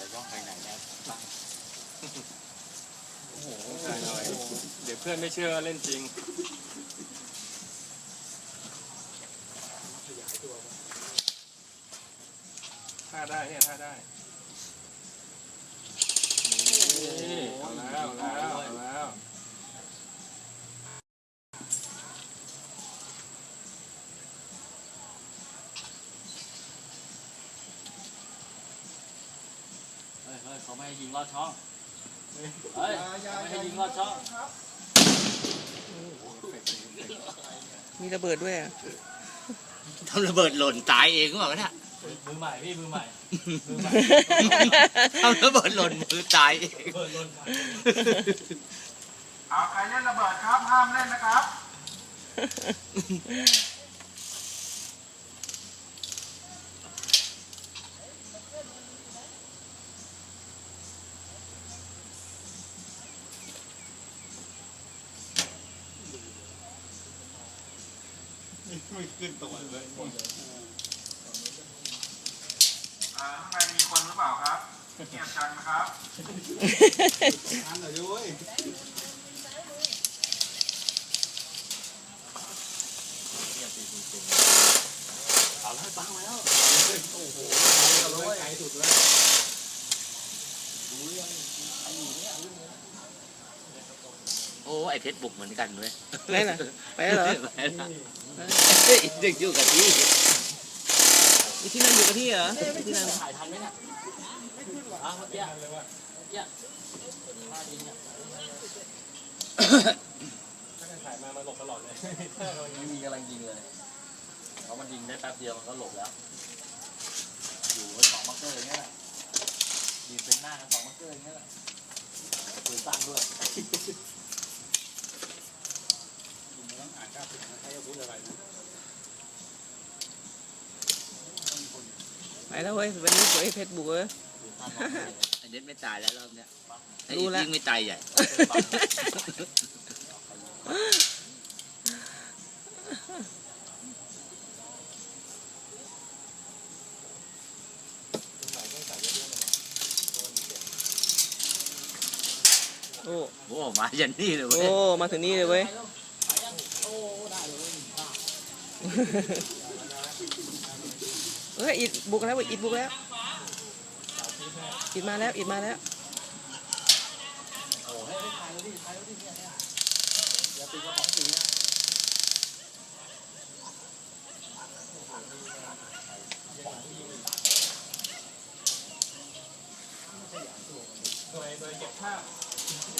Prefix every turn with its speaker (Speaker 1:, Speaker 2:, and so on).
Speaker 1: ว่าใครไหนนะตั้ง
Speaker 2: โอ้โหใช่หน่อยเดี๋ยวเพื่อนไม่เชื่อเล่นจริงท่าได้เนี่ยท่าได้นี่เอาแล้วเอาแล้วเอาแล้ว
Speaker 1: เฮ้ยเขาไม่ให้ยิงลอดช่องเฮ้ยไม่ให้ยิงลอดช่อง
Speaker 3: มีระเบิดด้วยอ่ะ
Speaker 1: ทำระเบิดหล่นตายเองก็บอกว่าเนี่ยมือใหม่พี่มือใหม่ทำระเบิดหล่นมือตายเอง
Speaker 4: เอาใครเล่นระเบิดครับห้ามเล่นนะครับ
Speaker 2: ไม่ขึ้นตัวเลย
Speaker 4: ข้างในมีคนหรือเปล่าครับเงียบกันนะครับอันหน่อยด้วย
Speaker 1: เอาแล้วปังมาแล้วโอ้โหไกลสุดเลยดูยังไอ้เนี่ยโอ้ไอเพชรบุกเหมือนกันเลย
Speaker 3: ไปเหรอไปเหรอ
Speaker 1: เด็กอยู่กับที่
Speaker 3: ที่นั่นอยู่กับที่เหรอที่นั่น
Speaker 1: ถ่ายทันไหมเนี่ยอ้าวเยอะเยอะ
Speaker 2: ถ้าถ่ายมาหลบตลอดเลย
Speaker 1: ไม่มีกำลังยิงเลยเพราะมันยิงได้แป๊บเดียวมันก็หลบแล้วอยู่ไว้สองมักเกอร์อย่างเงี้ยยิงเป็นหน้ากันสองมักเกอร์อย่างเงี้ยปืนสั้นด้วย
Speaker 2: อ่านกล้าพูดนะใครจะพูดอะไรนะ
Speaker 3: ไปแล้วเว้ยวันนี้สวยเพชรบุกเว้ย
Speaker 1: ไอเด็ดไม่ตายแล้วรอบเนี้ยไอ้
Speaker 3: รู้แล้ว
Speaker 1: ยิ่งไม่ตายใหญ่
Speaker 3: โอ้
Speaker 1: โอ้มายันนี่เลยเว้ย
Speaker 3: โอ้มาถึงนี่เลยเว้ยเฮ้ยอิดบุกแล้วอิดบุกแล้วอิดมาแล้วอิดมาแล้ว
Speaker 1: โอ้ให้ถ่ายแล้วดิถ่ายแล้วดิเนี่ยอย่าติดกระป๋องสีนะ
Speaker 2: โดยเก็บภาพ